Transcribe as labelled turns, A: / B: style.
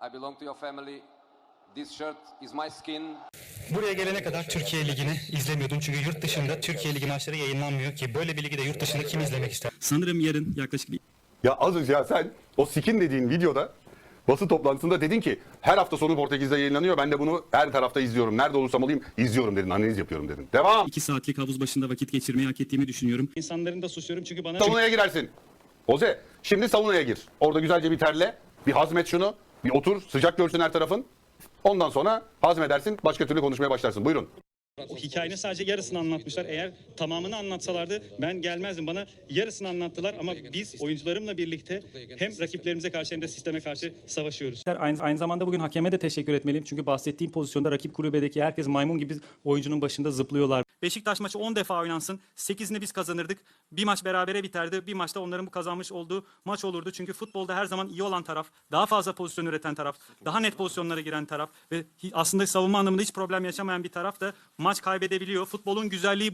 A: I belong to your family. This shirt is my skin.
B: Buraya gelene kadar Türkiye Ligi'ni izlemiyordum. Çünkü yurt dışında Türkiye Ligi maçları yayınlanmıyor ki. Böyle bir ligi de yurt dışında kim izlemek ister?
C: Sanırım yarın yaklaşık bir
D: Ya az önce ya sen o skin dediğin videoda basın toplantısında dedin ki her hafta sonu Portekiz'de yayınlanıyor. Ben de bunu her tarafta izliyorum. Nerede olursam olayım izliyorum dedin. Analiz yapıyorum dedin. Devam.
C: 2 saatlik havuz başında vakit geçirmeyi hak ettiğimi düşünüyorum. İnsanların da suçluyorum çünkü bana...
D: Saunaya girersin. Oze şimdi saunaya gir. Orada güzelce bir terle. Bir hazmet şunu. Bir otur. Sıcak görsün her tarafın. Ondan sonra hazmedersin. Başka türlü konuşmaya başlarsın. Buyurun.
C: O hikayenin sadece yarısını anlatmışlar. Eğer tamamını anlatsalardı ben gelmezdim. Bana yarısını anlattılar ama biz oyuncularımla birlikte hem rakiplerimize karşı hem de sisteme karşı savaşıyoruz.
E: Aynı zamanda bugün hakeme de teşekkür etmeliyim. Çünkü bahsettiğim pozisyonda rakip kulübedeki herkes maymun gibi oyuncunun başında zıplıyorlar. Beşiktaş maçı 10 defa oynansın. 8'ini biz kazanırdık. Bir maç berabere biterdi. Bir maçta onların bu kazanmış olduğu maç olurdu. Çünkü futbolda her zaman iyi olan taraf, daha fazla pozisyon üreten taraf, daha net pozisyonlara giren taraf ve aslında savunma anlamında hiç problem yaşamayan bir taraf da maç kaybedebiliyor. Futbolun güzelliği